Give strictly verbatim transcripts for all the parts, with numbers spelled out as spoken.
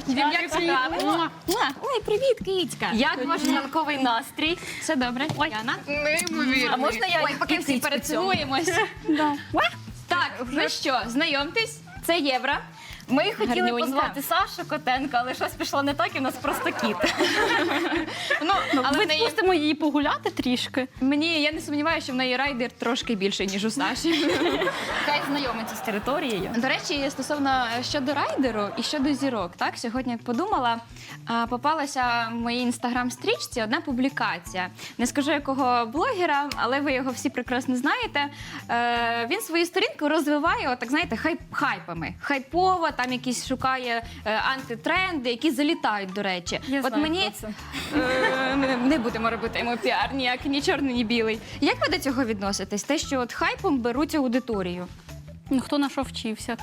дівчата. Ой, привіт, кицька. Як ваш ранковий настрій? Все добре, Яна? Неймовірно. А можна я Ой, поки всі перецілуємось. Так, ну що, знайомтесь, це Євра. Ми хотіли Гарнюнька. позвати Сашу Котенка, але щось пішло не так, і в нас просто кіт. Ну, але в неї, Відпустимо її погуляти трішки. мені, я не сумніваюся, що в неї райдер трошки більший, ніж у Саші. Хай знайомиться з територією. До речі, стосовно щодо райдеру і щодо зірок, так, сьогодні, як подумала, а, попалася в моїй інстаграм-стрічці одна публікація. Не скажу якого блогера, але ви його всі прекрасно знаєте. Е, він свою сторінку розвиває, отак, знаєте, хайп, хайпами. Хайпово, там якісь шукає е, антитренди, які залітають, до речі. Я От знаю, мені хто е, ми не будемо робити йому піар ніяк, ні чорний, ні білий. Як ви до цього відноситесь? Те, що от хайпом беруть аудиторію? Ну, хто на що вчився,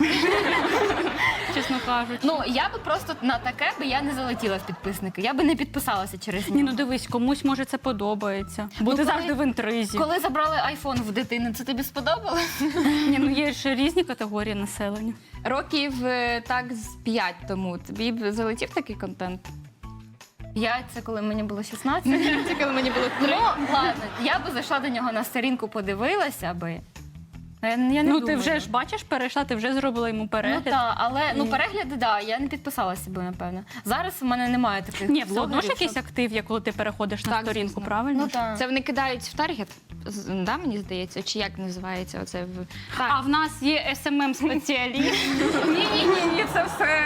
чесно кажучи. Ну, я би просто на таке би я не залетіла в підписники. Я би не підписалася через Ні, нього. ну дивись, комусь може це подобається. Бо ти коли- завжди в інтризі. Коли забрали айфон в дитини, це тобі сподобалось? Ні, ну є ж різні категорії населення. Років е, так з п'ять тому тобі б залетів такий контент? Я це коли мені було шістнадцять. Це коли мені було Ну, ладно, я би зайшла до нього на сторінку, подивилася би. Я, я не Ну думаю. ти вже ж бачиш, перейшла, ти вже зробила йому Ну перегляд. так, але ну перегляди, да, я не підписалася би, напевно. Зараз в мене немає таких. Ні, все одно ж блогерів, якийсь що- актив є, коли ти переходиш на Так, сторінку, звісно. правильно? Ну так. Це вони кидають в таргет, з- да, мені здається, чи як називається оце в А в нас є ес ем ем-спеціаліст. Ні, ні, ні, ні, це все.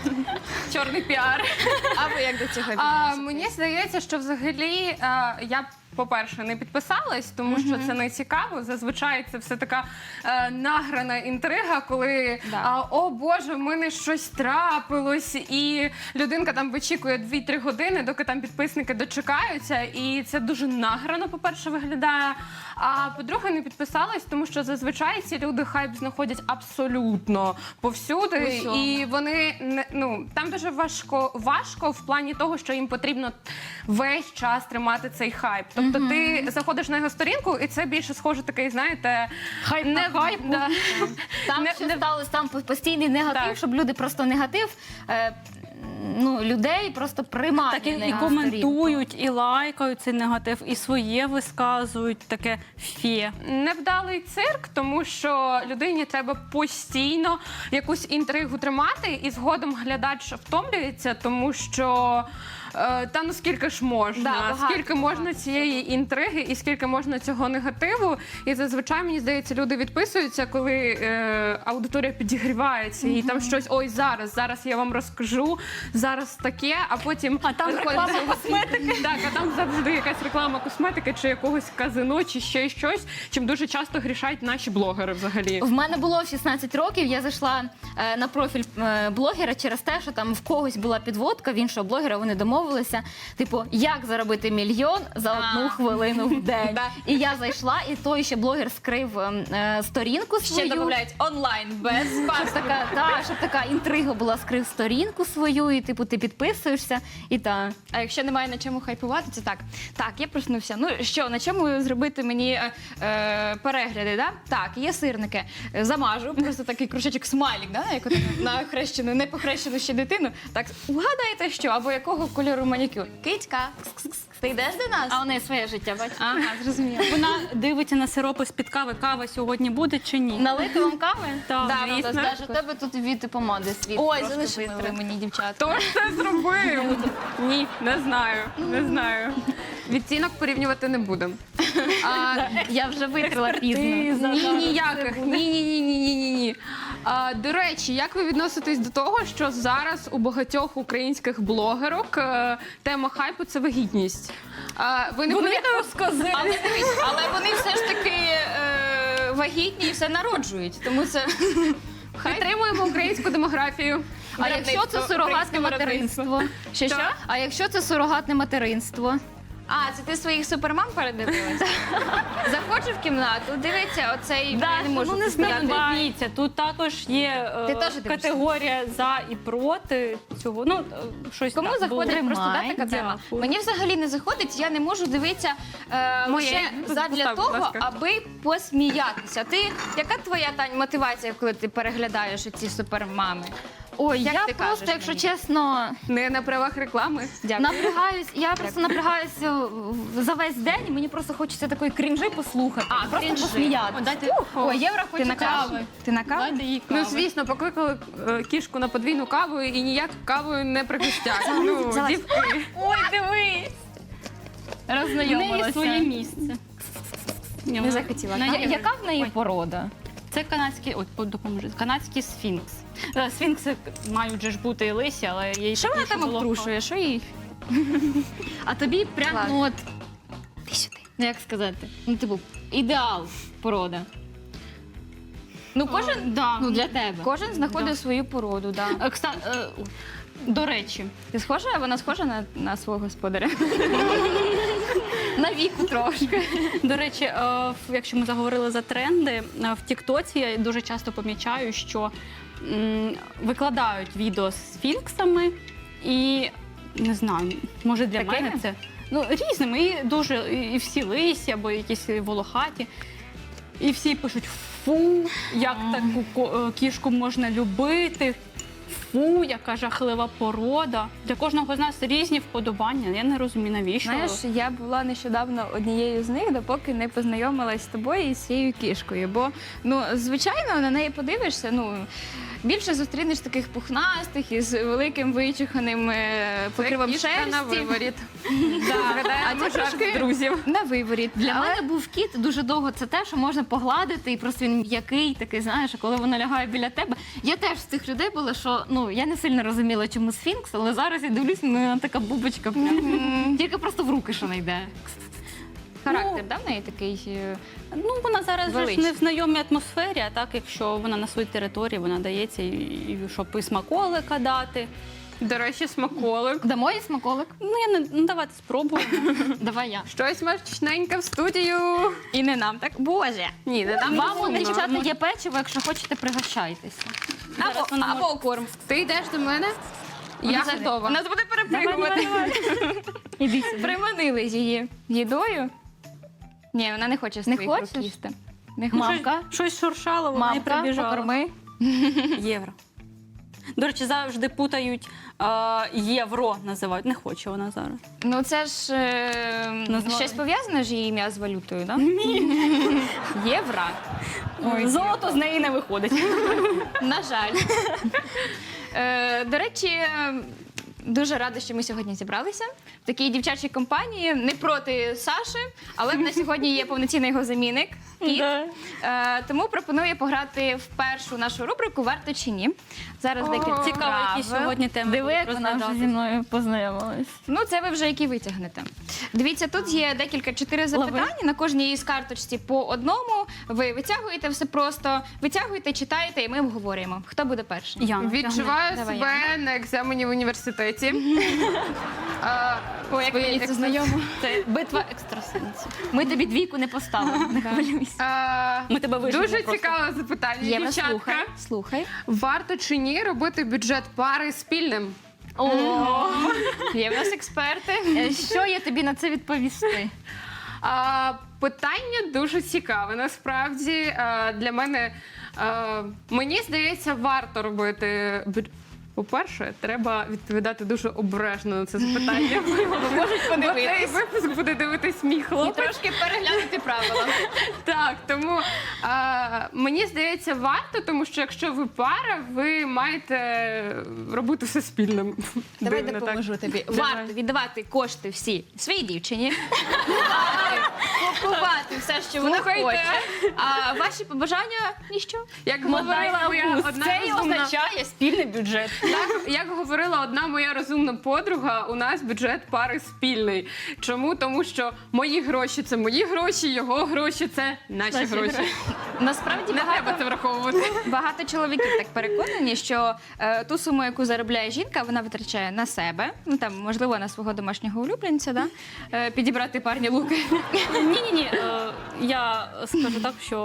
чорний піар. А ви як до цього А, відноситесь? мені здається, що взагалі а, я, по-перше, не підписалась, тому що це не цікаво. Зазвичай це все така е, награна інтрига, коли Да. а, о Боже, в мене щось трапилось, і людинка там вичікує дві-три години, доки там підписники дочекаються, і це дуже награно, по-перше, виглядає. А по-друге, не підписалась, тому що зазвичай ці люди хайп знаходять абсолютно повсюди, Усьому. і вони не ну там дуже важко важко в плані того, що їм потрібно весь час тримати цей хайп. Тобто ти заходиш на його сторінку, і це більше схоже такий, знаєте, Хайп не на хайпу. Да. Там Не- ще не- сталося там постійний негатив, Так. щоб люди просто негатив. Е, Ну, людей просто приймають Так і, на і його сторінку. коментують, і лайкають цей негатив, і своє висказують, таке фє. Невдалий цирк, тому що людині треба постійно якусь інтригу тримати, і згодом глядач втомлюється, тому що е, та ну скільки ж можна, Да, багато, скільки можна цієї інтриги і скільки можна цього негативу. І зазвичай, мені здається, люди відписуються, коли е, аудиторія підігрівається, і там щось, ой, зараз, зараз я вам розкажу, зараз таке, а потім А там виходить реклама цього- косметики. Так, а там завжди якась реклама косметики чи якогось казино, чи ще щось, чим дуже часто грішають наші блогери взагалі. В мене було в шістнадцять років, я зайшла е, на профіль е, блогера через те, що там в когось була підводка, в іншого блогера вони домовилися, типу, як заробити мільйон за одну хвилину в день. Да. І я зайшла, і той ще блогер скрив е, е, сторінку Ще свою. додають онлайн, без Щоб паспорту. така, та, щоб така інтрига була, скрив сторінку свою, і типу ти підписуєшся, і та. А якщо немає на чому хайпувати, це так. Так, я проснувся. Ну що, на чому зробити мені е, е, перегляди? Да? Так, є сирники. Е, Замажу, просто такий кружечок смайлік, да? як от на хрещену, не похрещену ще дитину. Так, вгадайте що, або якого кольору манікюр? Кицька, кс-кс-кс, ти йдеш до нас? А у неї своє життя, бачиш? Ага, зрозуміло. Вона дивиться на сиропи з-під кави, кава сьогодні буде чи ні? Налити вам кави? Так, Да, звісно. да, Даже у тебе тут від помади світ. Ой, трошки залишили витри. мені, дівчата. Хто ж це зробив? Ні, не знаю, не знаю. Відтінок порівнювати не будемо. А, Я вже витрила пізно. ні, ніяких. Ні, ні, ні, ні, ні, ні, ні. А, до речі, як ви відноситесь до того, що зараз у багатьох українських блогерок е, тема хайпу це вагітність? А, ви не повірите? Але, дивись, але вони все ж таки е, вагітні і все народжують. Тому це Підтримуємо українську демографію. А якщо це сурогатне материнство? Що, що? А якщо це сурогатне материнство? А, це ти своїх супермам передивилася? Заходжу в кімнату, дивиться оцей, Да, я не можу ну не постояти. знаю, дивіться, тут також є е, Ти теж дивишся? категорія за і проти цього. Ну, е, щось Кому так заходить було. просто да, Тримай, така тема? дякую. Мені взагалі не заходить, я не можу дивитися е, Моє. лише задля Постав, будь того, ласка. аби посміятися. Ти, яка твоя, Тань, мотивація, коли ти переглядаєш ці супермами? Ой, Як я ти просто, кажеш якщо мені? чесно, Не на правах реклами. Дякую. напрягаюсь, я просто напрягаюся в- за весь день, і мені просто хочеться такої крінжи послухати. А, просто крінжи. посміятися. О, дайте, Ой, Євро Ти хоче на каву? кави. Ти на каву? дайте їй кави. Ну, звісно, покликали е, кішку на подвійну каву і ніяк кавою не пригостять. Ну, залазь. дівки. Ой, дивись! В неї Роззнайомилася. своє місце. Ні, Не вона- захотіла на- Я- кави? Яка в неї Ой. порода? Це канадський, ой, по- допоможи, канадський сфінкс. Е, Сфінкси мають же ж бути і лисі, але їй Що вона такі, там було обтрушує? Що їй? А тобі прям, Клас. ну от, Ти сюди. ну як сказати, ну типу, ідеал порода. Ну класно. кожен, Е, да. ну для тебе. Кожен знаходить Да. свою породу, да. Е, кста- е, о, До речі, Ти схожа? Вона схожа на, на свого господаря. На віку трошки. До речі, е, в- якщо ми заговорили за тренди, е, в Тіктоці я дуже часто помічаю, що м, викладають відео з сфінксами і не знаю, може для Такими? мене це ну, різними. І дуже і і всі лисі або якісь волохаті. І всі пишуть: фу, як таку ко- е, кішку можна любити. Фу, яка жахлива порода. Для кожного з нас різні вподобання. Я не розумію, навіщо. Знаєш, я була нещодавно однією з них, допоки не познайомилась з тобою і з цією кішкою. Бо, ну, звичайно, на неї подивишся, ну. Більше зустрінеш таких пухнастих із великим вичуханим е, покривом Кішка шерсті. на виворіт. А Згадаємо це жарт трошки з друзів. на виворіт. Для Але мене був кіт дуже довго. Це те, що можна погладити, і просто він м'який, такий, знаєш, а коли вона лягає біля тебе. Я теж з тих людей була, що ну я не сильно розуміла, чому сфінкс, але зараз я дивлюсь, ну вона така бубочка. Прям. Тільки просто в руки, що не йде. характер, да, в неї такий. е, Ну, вона зараз же ж Велична. не в знайомій атмосфері, а так, якщо вона на своїй території, вона дається, і, і щоб і смаколика дати. До речі, смаколик. Дамо їй смаколик? Ну, я не ну, давайте спробуємо. Давай я. Щось смачненьке в студію. І не нам так. Боже. Ні, не нам Вам, розумно. дівчата, є печиво, якщо хочете, пригощайтеся. Або, вона може- або корм. Ти йдеш до мене? Я готова. Нас буде перепригувати. Іди сюди. Приманили її їдою. Ні, вона не хоче з Не твоїх рук хочеш? їсти. Не хоче. Мамка, Щось шуршало, вона і мамка, прибіжала. покорми. Євро. До речі, завжди путають е, євро, називають. Не хоче вона зараз. Ну це ж е, Назвали. щось пов'язане ж її ім'я з валютою, так? Ні. Євро. Золото з неї не виходить. На жаль. Е, до речі, е, дуже рада, що ми сьогодні зібралися в такій дівчачій компанії. Не проти Саші, але в нас сьогодні є повноцінний його замінник. Кіт. Да. Е, тому пропоную пограти в першу нашу рубрику «Варто чи ні». Зараз декілька Цікаво, які правил. сьогодні теми Диви, будуть як вона вже зі розглядатись. мною познайомилась. Ну, це ви вже які витягнете. Дивіться, тут є декілька чотири запитання. На кожній із карточці по одному. Ви витягуєте все просто, витягуєте, читаєте, і ми обговорюємо. Хто буде перший? Яна, Відчуваю Давай, себе на екзамені в університеті. А, О, як свої мені це екс- знайомо. Це битва екстрасенсів. Ми тобі двійку не поставимо, не хвилюйся. А, Ми тебе вижимо Дуже просто. цікаве запитання, Єва, дівчатка. слухай. Слухай. Варто чи ні робити бюджет пари спільним? О, Є в нас експерти. е, що я тобі на це відповісти? А, питання дуже цікаве. Насправді а, для мене а, мені здається, варто робити бюджет. По-перше, треба відповідати дуже обережно на це запитання. Можуть Бо цей випуск буде дивитись мій І хлопець. трошки переглянути правила. Так, тому а, мені здається, варто, тому що якщо ви пара, ви маєте робити все спільним. Давай Дивно, так. допоможу тобі. Варто віддавати кошти всі своїй дівчині. Варто купувати все, що вона Слухайте. хоче. А ваші побажання ніщо. Як говорила моя одна Це і розумна, означає спільний бюджет. як, як говорила одна моя розумна подруга, у нас бюджет пари спільний. Чому? Тому що мої гроші це мої гроші, його гроші це наші, гроші. Насправді Не треба багато, це враховувати. багато чоловіків так переконані, що е, ту суму, яку заробляє жінка, вона витрачає на себе, ну там можливо на свого домашнього улюбленця, да? е, підібрати парні луки. Ні, ні, ні. Я скажу так, що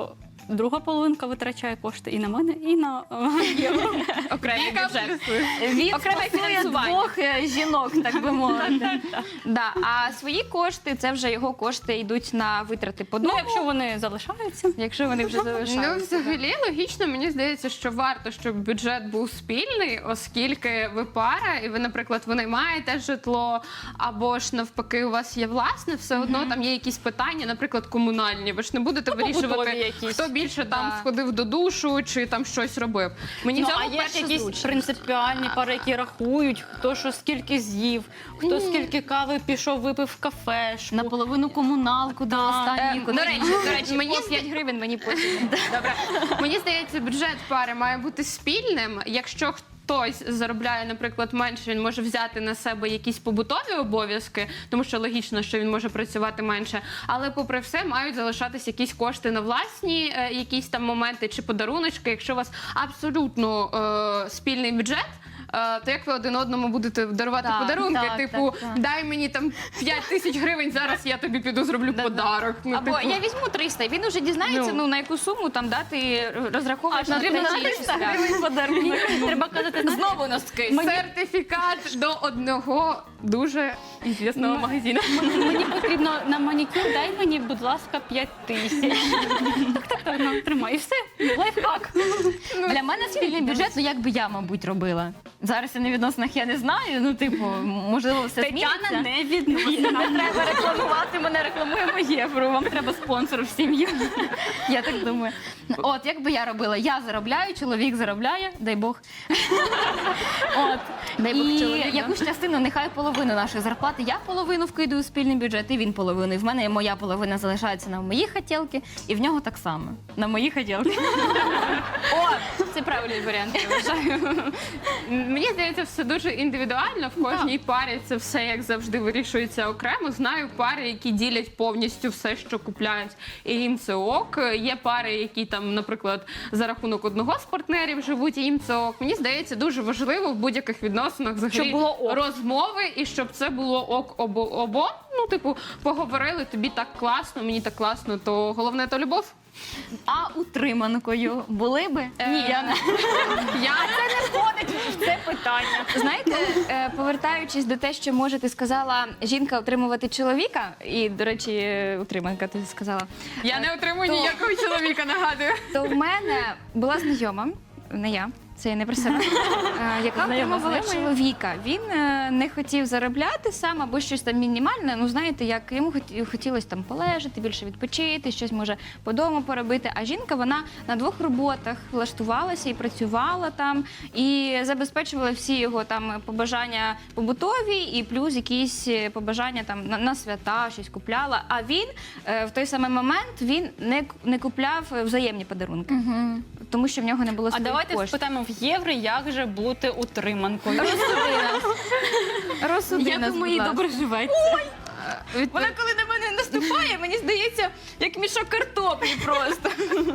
друга половинка витрачає кошти і на мене, і на е, євро. Окремий бюджет. Він Окреме стосує фінансування. двох е, жінок, так би мовити. Да, а свої кошти, це вже його кошти йдуть на витрати по Ну, дому, якщо вони залишаються. якщо вони вже Ну, залишаються. взагалі, логічно, мені здається, що варто, щоб бюджет був спільний, оскільки ви пара, і ви, наприклад, ви наймаєте житло, або ж навпаки, у вас є власне, все одно там є якісь питання, наприклад, комунальні. Ви ж не будете побутові вирішувати, якісь. хто більше там Да. сходив до душу чи там щось робив. Мені Ну, цього а є перше ж якісь зручно. принципіальні пари, які рахують, хто що скільки з'їв, хто скільки кави пішов, випив в кафешку. Наполовину комуналку до останньої. Е, До речі, до речі, Мені мені п'ять гривень мені потім. Добре. Мені здається, бюджет пари має бути спільним. Якщо хтось заробляє, наприклад, менше, він може взяти на себе якісь побутові обов'язки, тому що логічно, що він може працювати менше. Але, попри все, мають залишатись якісь кошти на власні е, якісь там моменти чи подаруночки. Якщо у вас абсолютно е, спільний бюджет. е, То як ви один одному будете дарувати Так, подарунки? так, типу, так, так. дай мені там п'ять тисяч гривень, зараз я тобі піду зроблю подарок. Ну, Або типу, я візьму триста, і він уже дізнається, Ну. ну, на яку суму там дати, розраховувати. потрібно на триста гривень подарунок. Треба казати, знаєте, Знову носки. сертифікат до одного дуже ізвісного магазину. мені потрібно на манікюр, дай мені, будь ласка, п'ять тисяч. Так, так, так, ну, тримай. І все, лайфхак. Для мене спільний бюджет, ну як би я, мабуть, робила. Зараз я на відносинах я не знаю, ну типу, можливо, все Тетяна зміниться. не відносина. Не треба рекламувати, мене рекламуємо євро. Вам треба спонсор в сім'ю. Я так думаю. От, як би я робила? Я заробляю, чоловік заробляє, дай Бог. От. Дай Бог І чоловіка. якусь частину, нехай половину нашої зарплати, я половину вкидаю у спільний бюджет, і він половину. І в мене моя половина залишається на мої хотілки, і в нього так само. На мої хотілки. О, це правильний варіант, я вважаю. Мені здається, все дуже індивідуально. В кожній парі це все як завжди вирішується окремо. Знаю пари, які ділять повністю все, що купляють, і їм це ок. Є пари, які там, наприклад, за рахунок одного з партнерів живуть, і їм це ок. Мені здається, дуже важливо в будь-яких відносинах взагалі Щоб було ок. розмови, і щоб це було ок обо обом. Ну, типу, поговорили, тобі так класно, мені так класно, то головне то любов. А утриманкою були би? Ні, я не. Я Це питання. Знаєте, е, повертаючись до те, що може, ти сказала, жінка отримувати чоловіка, і, до речі, е, утриманка ти сказала, Я не отримую То- ніякого чоловіка, нагадую. то в мене була знайома, не я, це я не про себе, е, яка Знайома, отримувала знайома. чоловіка. Він е, не хотів заробляти сам або щось там мінімальне. Ну, знаєте, як йому хоті- хотілося там полежати, більше відпочити, щось може по дому поробити. А жінка, вона на двох роботах влаштувалася і працювала там, і забезпечувала всі його там побажання побутові, і плюс якісь побажання там на, на свята, щось купляла. А він е, в той самий момент він не, к- не купляв взаємні подарунки, тому що в нього не було А своїх давайте коштів. спитаємо в євро, як же бути утриманкою. Розсуди Як нас, у будь моїй ласка. добре живеться. Вона коли на мене наступає, мені здається, як мішок картоплі просто.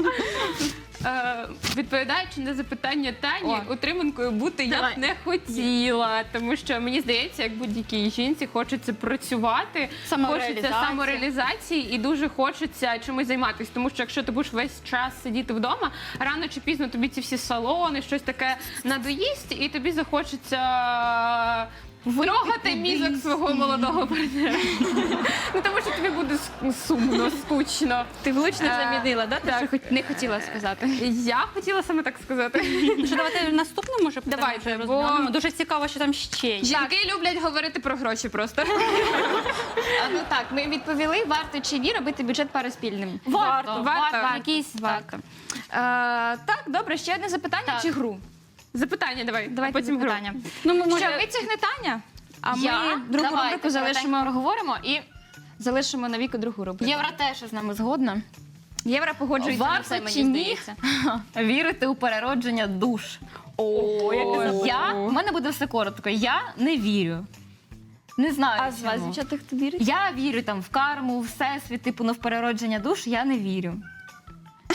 Е, Відповідаючи на запитання Тані, О. утриманкою бути я Давай. б не хотіла, тому що мені здається, як будь-якій жінці хочеться працювати, хочеться Самореалізація. самореалізації і дуже хочеться чимось займатися. Тому що якщо ти будеш весь час сидіти вдома, рано чи пізно тобі ці всі салони, щось таке надоїсть, і тобі захочеться трогати мізок свого молодого партнера. Ну тому що тобі буде с- сумно, скучно. Ти влучно Е, замінила, да? Те, так. що хоч не хотіла сказати. Я хотіла саме так сказати. Що, давайте наступне, може, питання Давайте, вже бо- розглянемо. Дуже цікаво, що там ще є. Жінки люблять говорити про гроші просто. А, ну так, ми відповіли, варто чи ні робити бюджет пари спільним. Варто, варто. Якийсь Варто. так. Е, так, добре, ще одне запитання Так. чи гру? Запитання давай, Давайте а потім гру. запитання. Ну, ми, може, Що, витягне Таня? А Я? ми другу Давайте, рубрику залишимо, проговоримо. І залишимо на віку другу рубрику. Євро теж з нами згодна. Євро погоджується на Варто все, мені чи ні? здається. Вірити у переродження душ. О, Я, в мене буде все коротко. Я не вірю. Не знаю. А з вас, чому. дівчата, хто вірить? Я вірю там в карму, в всесвіт, типу, ну, в переродження душ я не вірю.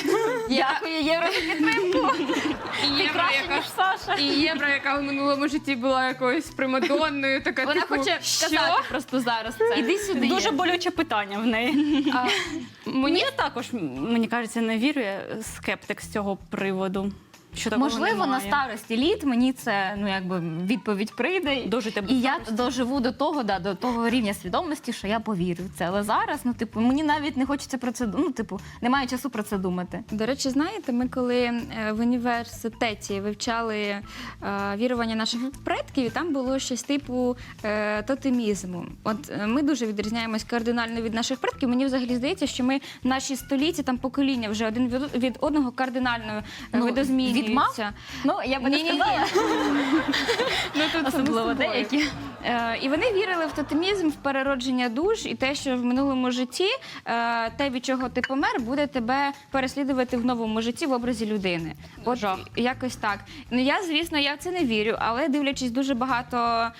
Дякую, Євро, за підтримку. І Ти Євро, краще, яка ніж Саша. І Євро, яка в минулому житті була якоюсь примадонною, така Вона типу, хоче сказати просто зараз це. Іди сюди. Дуже Єв. болюче питання в неї. А, Мені також, мені кажеться, не вірю, я скептик з цього приводу. Що такого Можливо, на немає. старості літ мені це ну якби відповідь прийде. Дожити без І я старості. доживу до того, да, до того рівня свідомості, що я повірю в це. Але зараз, ну типу, мені навіть не хочеться про це ду- ну, типу, немає часу про це думати. До речі, знаєте, ми коли е, в університеті вивчали е, вірування наших предків, і там було щось типу е, тотемізму. От е, ми дуже відрізняємось кардинально від наших предків. Мені взагалі здається, що ми наші століття, там покоління вже один від, від одного кардинально е, Ну, видозмінюються. від мав? Ну, я би не Ні-ні-ні. сказала. Ну, тут Особливо само собою. деякі. Е, і вони вірили в тотемізм, в переродження душ, і те, що в минулому житті е, те, від чого ти помер, буде тебе переслідувати в новому житті в образі людини. От Жах. якось так. Ну я, звісно, я в це не вірю, але дивлячись дуже багато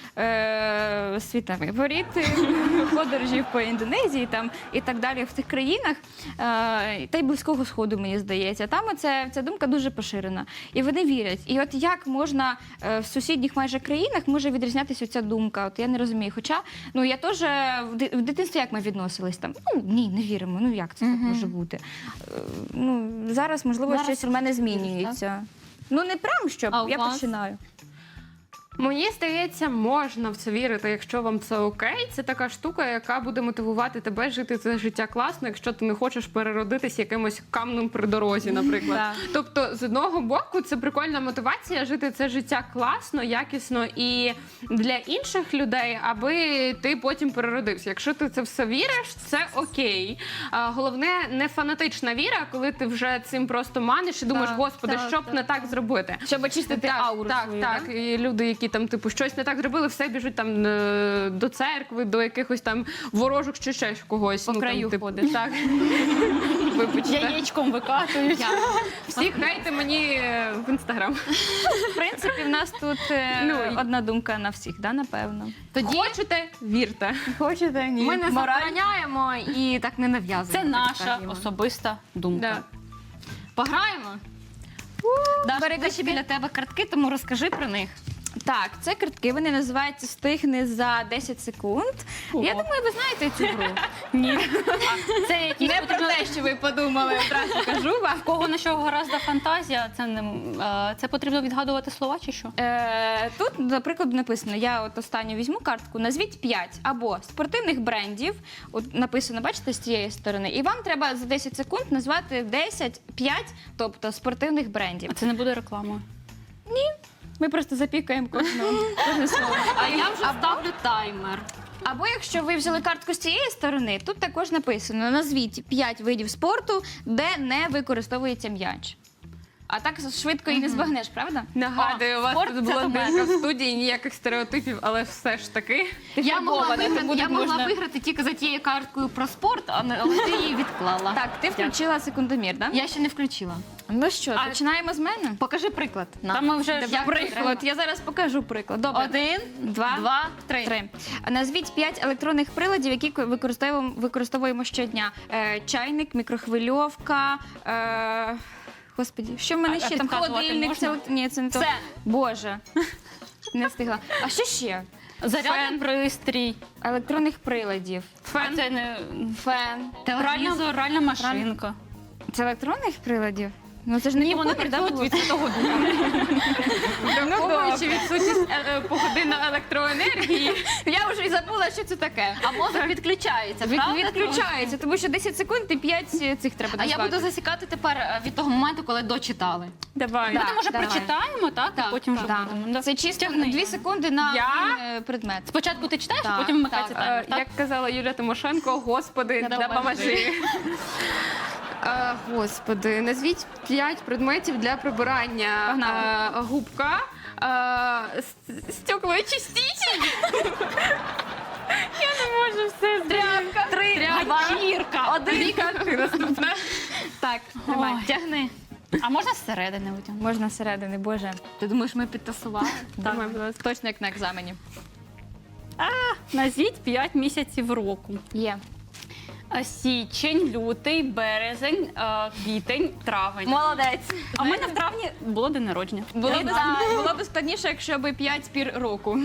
е, світових воріт, подорожів по Індонезії там і так далі в тих країнах, е, та й Близького Сходу, мені здається. Там оце, ця думка дуже поширена. І вони вірять. І от як можна е, в сусідніх майже країнах може відрізнятися ця думка? От я не розумію. Хоча ну я теж в ди- в дитинстві як ми відносились там? Ну ні, не віримо. Ну як це так може бути? Е, ну зараз можливо Зараз щось у мене змінюється. Ну не прям щоб А у я вас? починаю. Мені здається, можна в це вірити, якщо вам це окей. Це така штука, яка буде мотивувати тебе жити це життя класно, якщо ти не хочеш переродитись якимось камнем при дорозі, наприклад. Так. Тобто, з одного боку, це прикольна мотивація жити це життя класно, якісно і для інших людей, аби ти потім переродився. Якщо ти це все віриш, це окей. А, головне, не фанатична віра, коли ти вже цим просто маниш і думаєш, Так, господи, так, що б так, не так зробити. Щоб очистити Так, ауру так, свою, так. да? І люди, які там типу щось не так зробили, все біжуть там е, до церкви, до якихось там ворожок чи ще когось. По ну, краю там, типу, ходить. Так. Вибачте. Яєчком викатують. Всі хайте мені е, в інстаграм. В принципі, в нас тут е, Ну, і- одна думка на всіх, да, напевно. Тоді хочете, вірте. Хочете? Ні. Ми не Мораль. забороняємо і так не нав'язуємо. Це так наша скажімо. особиста думка. Да. Пограємо? Даша, Берегти ще біля тебе картки, тому розкажи про них. Так, це картки, вони називаються «Встигни за десять секунд». Ого. Я думаю, ви знаєте цю гру. Ні. Це якісь Не про те, що ви подумали, одразу кажу вам. В кого на що гораздо фантазія, це не е, це потрібно відгадувати слова чи що? Е, тут, наприклад, написано, я от останню візьму картку, назвіть п'ять або спортивних брендів, от написано, бачите, з цієї сторони, і вам треба за десять секунд назвати десять, п'ять, тобто спортивних брендів. А це не буде рекламою. Ми просто запікаємо кожного. кожне слово. А я вже ставлю таймер. Або якщо ви взяли картку з цієї сторони, тут також написано, назвіть п'ять видів спорту, де не використовується м'яч. А так швидко і не збагнеш, правда? Нагадую, у вас спорт тут це блондинка в студії, ніяких стереотипів, але все ж таки. Я могла, фарбована, виграти, тому я тут могла можна- виграти тільки за тією карткою про спорт, а не- але ти її відклала. Так, ти включила секундомір, так? Я ще не включила. Ну що, А- починаємо з мене? Покажи приклад. На. Там ми вже Як Приклад, я зараз покажу приклад. Добре. Один, Два, два, три. Три. Назвіть п'ять електронних приладів, які використовуємо, використовуємо щодня. Е, чайник, мікрохвильовка. Е, господі, що в мене А- ще а там? підказувати Холодильник. Це, можна? от- ні, це не то. Все. Боже. Не встигла. А що ще? зарядний пристрій. Електронних приладів. А це не Фен. пральна, пральна машинка. Це електронних приладів? Ну це ж не Ні, вони кухонних, да, працюють було? від Святого Духа. Враховуючи відсутність е, е, погодинної електроенергії. Я вже і забула, що це таке. А мозок відключається, Від, правда? відключається, тому що десять секунд і п'ять цих треба А я назвати. буду засікати тепер е, від того моменту, коли дочитали. Давай. Да. Ми може давай. прочитаємо, так? Так, І потім вже Да. будемо. Да. Це чисто Тягни. дві секунди на Я? один, е, предмет. Спочатку ти читаєш, Так, а потім вмикається так. таймер, Е, так? Як казала Юлія Тимошенко, господи, Допоможи. допоможи. Е, Господи, назвіть п'ять предметів для прибирання. Погнали. Е, Губка, е, с- стеклоочиститель. Я не можу все. Тряпка. Три, Ганчірка. Один. Віка, ти наступна. Так, Давай, тягни. А можна зсередини витягнути? можна зсередини, боже. Ти думаєш, ми підтасували? Давай, будь ласка. Точно як на екзамені. Назвіть п'ять місяців року. Є. А, Січень, лютий, березень, а, квітень, травень. Молодець. А в мене в травні було день народження. Було б, Вітаю. було б складніше, якщо б п'ять пір року.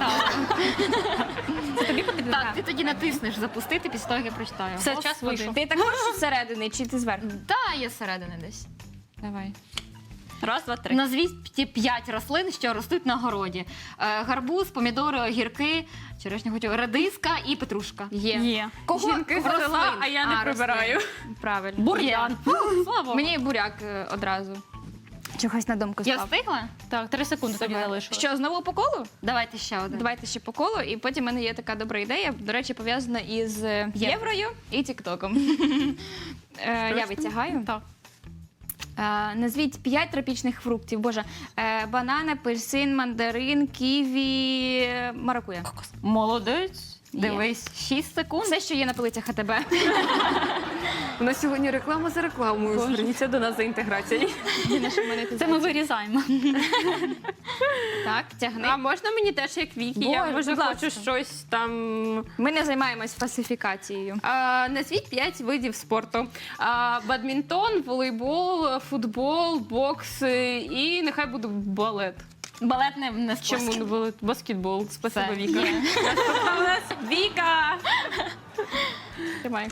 Це тобі потрібно? Так, ти тоді натиснеш запустити після того, як я прочитаю. Все, час Господи. вийшов. Ти також зсередини чи ти зверху? Та, є зсередини десь. Давай. Раз, два, три. Назвіть ті п'ять рослин, що ростуть на городі. Е, гарбуз, помідори, огірки, черешня, хотів, редиска і петрушка. Є. Є. Кого? Жінки Рослин. зелена, а я не А, прибираю. рослин. Правильно. Бур'ян. Слава. Мені буряк е, одразу. Чогось на думку Я став. встигла? Так, три секунди тобі залишилось. Що, знову по колу? Давайте ще один. Давайте ще по колу, і потім в мене є така добра ідея, до речі, пов'язана із е, єврою і тіктоком. Е, Я витягаю. Так. Е, Назвіть п'ять тропічних фруктів. Боже, Е, банан, апельсин, мандарин, ківі, е, маракуя. Молодець. Є. Дивись, шість секунд. Все, що є на полицях АТБ. У нас сьогодні реклама за рекламою. Боже. Зверніться до нас за інтеграцією. Це ми вирізаємо. Так, тягни. А можна мені теж як Вікі? Я Боже, може будь ласка. хочу щось там. Ми не займаємось фальсифікацією. А, назвіть п'ять видів спорту: а, бадмінтон, волейбол, футбол, бокс е, і нехай буде балет. Балет не, не Чому спосіб. не балет? Баскетбол. Спасибо, Все, Віка. є. У нас Віка! Тримай.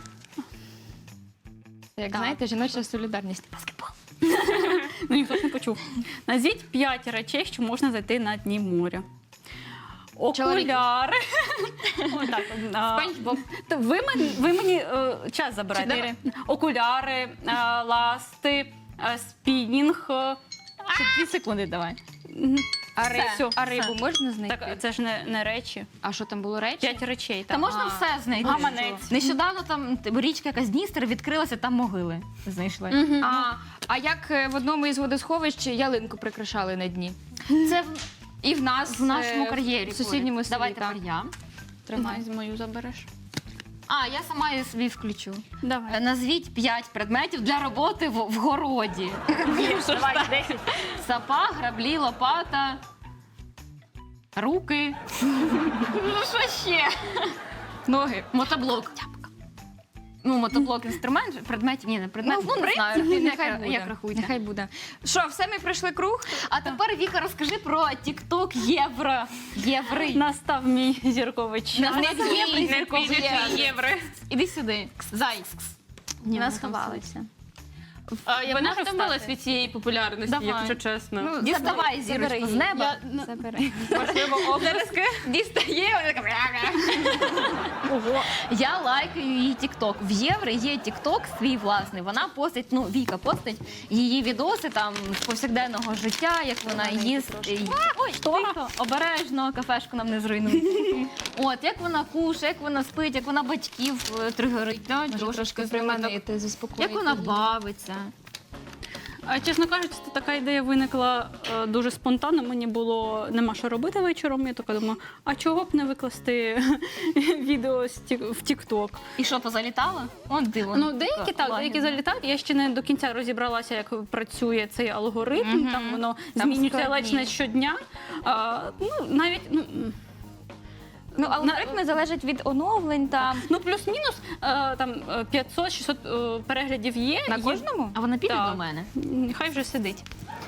Як Так. знаєте, жіноча солідарність. Баскетбол. Ну, ніхто ж не почув. Назвіть п'ять речей, що можна знайти на дні моря. Окуляри. Отак. а, Спанч Боб. то Ви мені, ви мені е, час забираєте. Чотири. Окуляри, е, ласти, е, спінінг. е, Ще дві секунди давай. А, Все, риб, все, а рибу можна знайти? Так, це ж не, не речі. А що там було речі? П'ять речей. Та Так. можна А. все знайти. Гаманець. Нещодавно там т- річка якась Дністер відкрилася, там могили знайшли. А, а як е, в одному із водосховищ ялинку прикрашали на дні? Це в, І в нас в нашому е, кар'єрі. в сусідньому поряд. селі. Давай так. тепер я. Тримай. З мою забереш. А, я сама її собі включу. Е, Давай. Назвіть п'ять предметів для роботи в, в городі. Давай, десять. Сапа, граблі, лопата, руки. Ну що ще? Ноги. Мотоблок. Ну, мотоблок інструмент, же, предметів, ні, не предмет. Ну, в не знаю, принципі, як, нехай буде. як рахуйте. Нехай буде. Що, все, ми пройшли круг? А тепер, Віка, розкажи про TikTok Євро. Єври. Настав мій зірковий час. Нас не єври, Не зіркові піде єври. євро. Іди сюди. Зай. Ні, Нас ми там ховалися. А, я Вона вона вже втомилась встати. від цієї популярності, Давай. якщо чесно. Ну, Діставай забери зірочку з її. неба. Я- Забери. Можливо, облески. Дістає, вона така... Ого. Я лайкаю її TikTok. В Єври є TikTok свій власний. Вона постить, ну, Віка постить її відоси там з повсякденного життя, як вона їсть. Ой, тихо, обережно, кафешку нам не зруйнує. От, як вона кушає, як вона спить, як вона батьків е, тригерить. Да, Може, трошки трошки приманити. приманити, заспокоїти. Як вона її. бавиться. А, чесно кажучи, це така ідея виникла е, дуже спонтанно. Мені було нема що робити вечором. Я така думаю, а чого б не викласти відео з Тік- в TikTok? І що, позалітала? От диво. Ну, деякі так, деякі залітають. Я ще не до кінця розібралася, як працює цей алгоритм. Мгм. Там воно Там змінюється складні. ледь не щодня. А, ну, навіть, ну, м, Ну, алгоритми залежать від оновлень там. ну плюс-мінус е, там е, п'ятсот-шістсот е, переглядів є. На Є- кожному? А вона піде Так. до мене? Нехай вже сидить.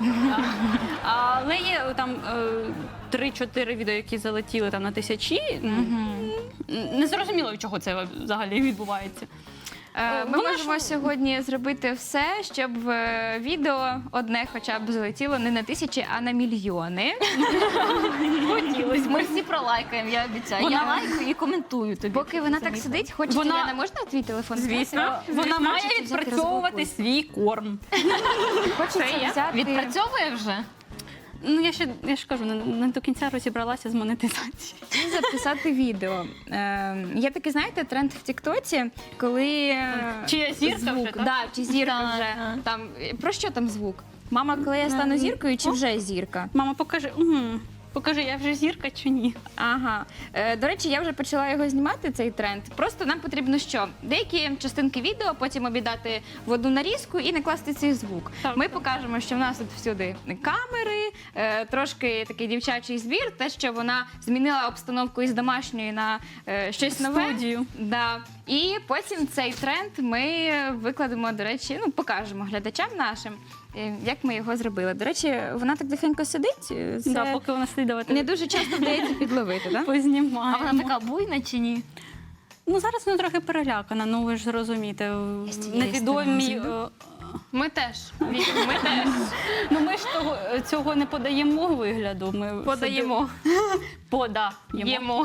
А, але є е, там е, три-чотири відео, які залетіли там на тисячі. М, Не зрозуміло, від чого це взагалі відбувається. Е, Ми Вона можемо ж- сьогодні зробити все, щоб е, відео одне хоча б залетіло не на тисячі, а на мільйони. Хотілось. Ми всі пролайкаємо, я обіцяю. Вона- Я лайкаю і коментую тобі. Поки вона Це так мій сидить, хочеться, Вона- Яна, можна твій телефон? Звісно. Вона має Хочеться взяти відпрацьовувати розблокуй. свій корм. Хочеться взяти... Відпрацьовує вже? Ну я ще я ж кажу, не, не до кінця розібралася з монетизацією. і записати відео. Е, є такий, знаєте, тренд в Тіктоці, коли е, Чия зірка звук, вже, так? да, чи зірка Так, вже. так. Там, про що там звук? Мама, коли я стану зіркою, чи вже зірка? Мама, покажи. М, Покажи, я вже зірка чи ні? Ага. Е, до речі, я вже почала його знімати, цей тренд. Просто нам потрібно що? Деякі частинки відео потім обідати в одну нарізку і накласти цей звук. Так. Ми покажемо, що в нас тут всюди камери, е, трошки такий дівчачий збір, те, що вона змінила обстановку із домашньої на е, щось нове. Студію. Да. І потім цей тренд ми викладемо, до речі, ну покажемо глядачам нашим, е, як ми його зробили. До речі, вона так тихенько сидить. Це Да, поки вона сидить, давайте не дуже часто вдається підловити, так? А познімаємо. вона така буйна чи ні? Ну, зараз вона трохи перелякана, ну ви ж розумієте. Я з цієї Невідомі... сторони е, Ми теж. Вік, Ми теж Ну, ми ж того, цього не подаємо вигляду. Ми подаємо. собі Подаємо. Їмо.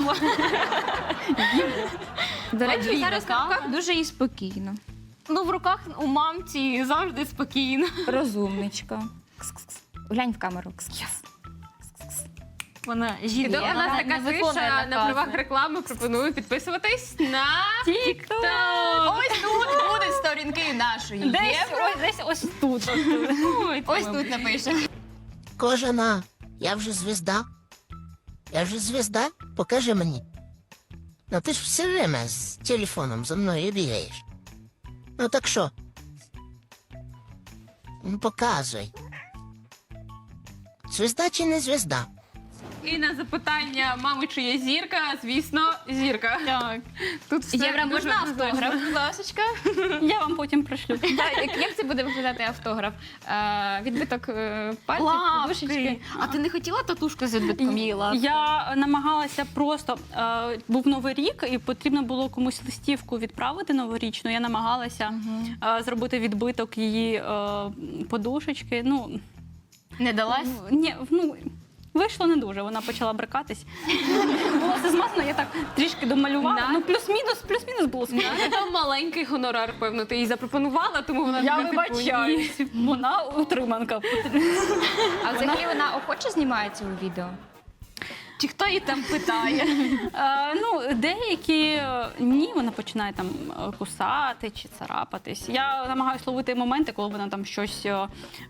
До речі, Подвійна зараз на кава. руках дуже і спокійно. Ну, в руках у мамці завжди спокійно. Розумничка. Кс-кс-кс. Глянь в камеру. Кс-кс. Вона І жінка. доки у нас вона така не виконує тиша на накази. правах реклами, пропоную підписуватись на Тік-ток! Ось тут будуть сторінки нашої Десь, Євро. ось, десь ось тут. Ось тут напише. Кожана, я вже звізда. Я вже звізда? Покажи мені. Ну ти ж все время з телефоном за мною бігаєш. Ну так що? Ну показуй. Звізда чи не звізда? і на запитання мами, чи є зірка, звісно, зірка. Так. Тут все Євро, дуже можна однозначно. автограф, будь ласочка? Я вам потім пришлю. Так, як, як це буде виглядати автограф? Е, відбиток е, пальців, Лапки. подушечки? А ти не хотіла татушку з відбитком її лапки? Я намагалася просто е, був новий рік, і потрібно було комусь листівку відправити новорічну. Я намагалася е, зробити відбиток її е, подушечки. Ну Не далась? ні, ну. Вийшло не дуже, вона почала брикатись. Було все змазано, я так трішки домалювала. На- Ну, плюс-мінус, плюс-мінус було смішно. Це там маленький гонорар, певно, ти їй запропонувала, тому вона Я тобі, типу, вибачаюсь, вона утриманка. А взагалі вона охоче знімається у відео? Чи хто її там питає? Е, ну, деякі е, ні, вона починає там е, кусати чи царапатись. Я намагаюся ловити моменти, коли вона там щось е, е,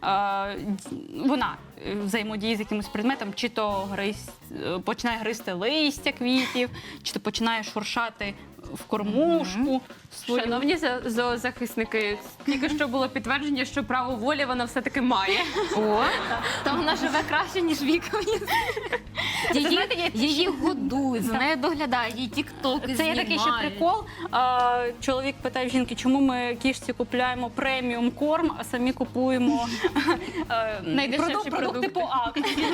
д- вона е, взаємодіє з якимось предметом, чи то гриз, е, починає гризти листя квітів, чи то починає шуршати в кормушку. свою. Шановні за- зоозахисники, тільки що було підтвердження, що право волі вона все-таки має. О, Та вона живе краще, ніж Віка. Її, її годують, за нею доглядають, її тіктоки Це є такий ще прикол. А, чоловік питає в жінки, чому ми кішці купляємо преміум корм, а самі купуємо е, Найдешевші продук- продукти продукти. по акції.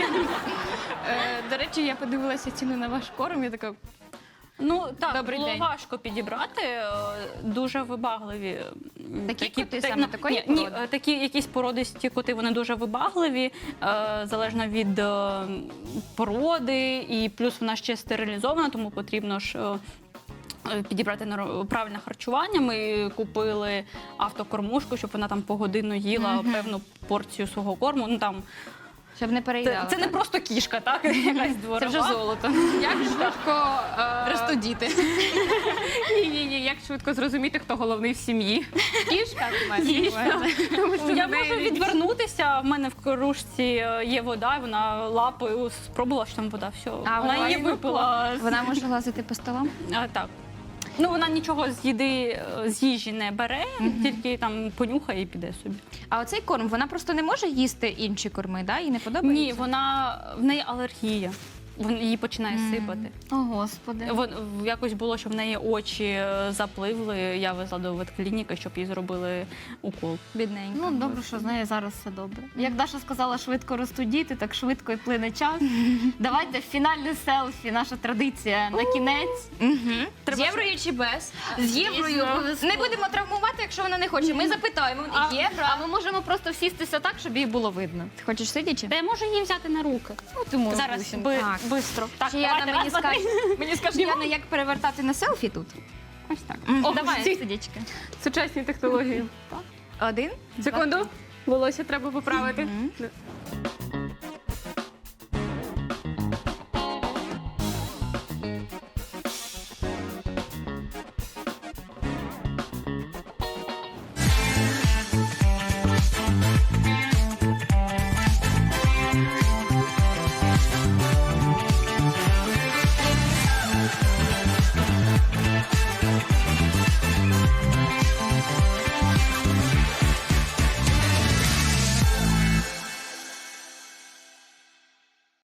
е, до речі, я подивилася ціну на ваш корм, я така, Ну так, Добрий було день. важко підібрати. е, Дуже вибагливі. м, Такі коти та- саме ну, такої ні, ні, породи? е, такі якісь породисті коти, вони дуже вибагливі, е, залежно від е, породи, і плюс вона ще стерилізована, тому потрібно ж. е, е, Підібрати нар- правильне харчування. Ми купили автокормушку, щоб вона там погодинно їла певну порцію свого корму. Ну там щоб не це, переїдала. це не просто кішка, так якась дворова. Це вже золото. Як швидко е, Ростуть діти. ні, ні, ні, як швидко зрозуміти, хто головний в сім'ї. Кішка Дійсно. Тому що Я в неї можу відвернутися. В мене в кружці е, є вода, вона лапою спробувала, що там вода. Все, А, вона вона її і випила. Вона може лазити по столам? А, так. Ну, вона нічого з їди, е, з їжі не бере, тільки там понюхає і піде собі. А оцей корм, вона просто не може їсти інші корми, да? Їй не подобається? Ні, вона в неї алергія. Вон- Її починає сипати. О, Господи. Вон, в- якось було, що в неї очі е, запливли. Я везла до ветклініки, щоб їй зробили укол. Бідненька. Ну, добре, що з нею зараз все добре. Як Даша сказала, швидко ростуть діти, так швидко і плине час. Давайте фінальне селфі, наша традиція на кінець. З єврою чи без? З єврою обов'язково. Не будемо травмувати, якщо вона не хоче. Ми запитаємо. А, Євро. а ми можемо просто всістися так, щоб її було видно. Ти хочеш сидячи? Та я можу її взяти на руки. Ну, ти можеш. Зараз Люсінь. би, Так. бистро. Так, Чи Яна давайте, мені раз, два, три. скаже, мені скаже, Яна, як перевертати на селфі тут? Ось так. О, Давай. давай, сидячки. Сучасні технології. Один. Секунду. Волосся треба поправити.